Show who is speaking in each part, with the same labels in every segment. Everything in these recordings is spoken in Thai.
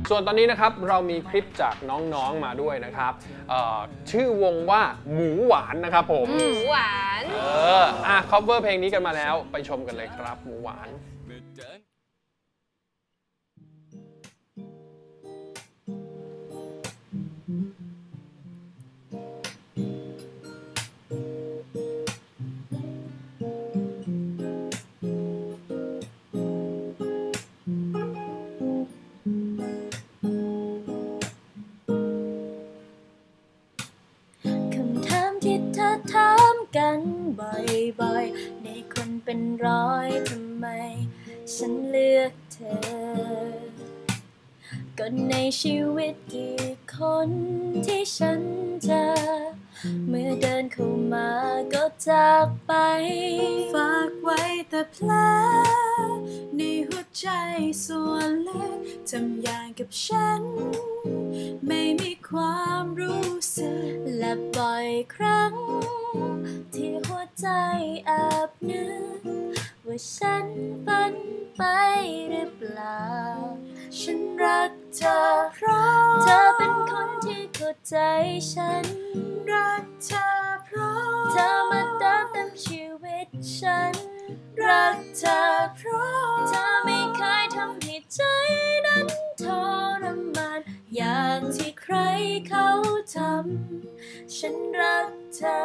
Speaker 1: ส่วนตอนนี้นะครับเรามีคลิปจากน้องๆมาด้วยนะครับชื่อวงว่าหมูหวานนะครับผม
Speaker 2: หมูหวาน
Speaker 1: cover เพลงนี้กันมาแล้วไปชมกันเลยครับหมูหวาน
Speaker 3: ถามกันบ่อยๆในคนเป็นร้อยทำไมฉันเลือกเธอก็ในชีวิตกี่คนที่ฉันเจอเมื่อเดินเข้ามาก็จากไปฝากไว้แต่แผลในหัวใจส่วนเล็กทำอย่างกับฉันไม่มีความรู้สึกและบ่อยครั้งที่หัวใจแอบนึกว่าฉันฝันไปหรือเปล่าฉันรักเธอเพราะเธอเป็นคนที่เข้าใจฉันรักเธอเพราะเธอมาเติมเต็มชีวิตฉันรักเธอเพราะเธอไม่เคยทำให้ใจนั้นทรมานอย่างที่ใครเขาทำฉันรักเธอ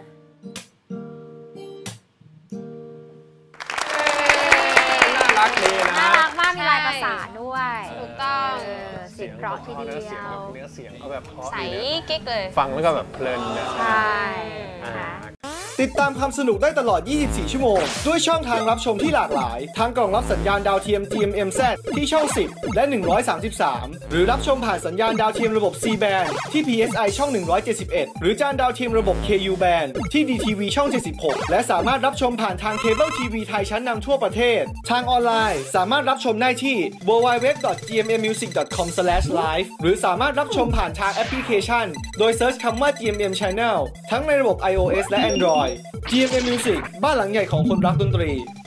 Speaker 1: น่ารักดีนะ
Speaker 2: น่ารักมากมีลายประสานด้วยถูกต้องเสียงเพราะทีเดียว
Speaker 1: เนื้อเสียงเขาแบบเพราะ
Speaker 2: ใสกิ๊กเลย
Speaker 1: ฟังแล้วก็แบบเพลินนะ
Speaker 2: ใช่
Speaker 4: ติดตามความสนุกได้ตลอด 24 ชั่วโมงด้วยช่องทางรับชมที่หลากหลายทั้งกล่องรับสัญญาณดาวเทียม GMMZ ที่ช่อง 10 และ 133 หรือรับชมผ่านสัญญาณดาวเทียมระบบ C band ที่ PSI ช่อง 171 หรือจานดาวเทียมระบบ KU band ที่ DTV ช่อง 76 และสามารถรับชมผ่านทางเคเบิลทีวีไทยชั้นนำทั่วประเทศทางออนไลน์สามารถรับชมได้ที่ www.gmmmusic.com/live หรือสามารถรับชมผ่านทางแอปพลิเคชันโดยเซิร์ชคำว่า GMM Channel ทั้งในระบบ iOS และ Android GMM Music บ้านหลังใหญ่ของคนรักดนตรี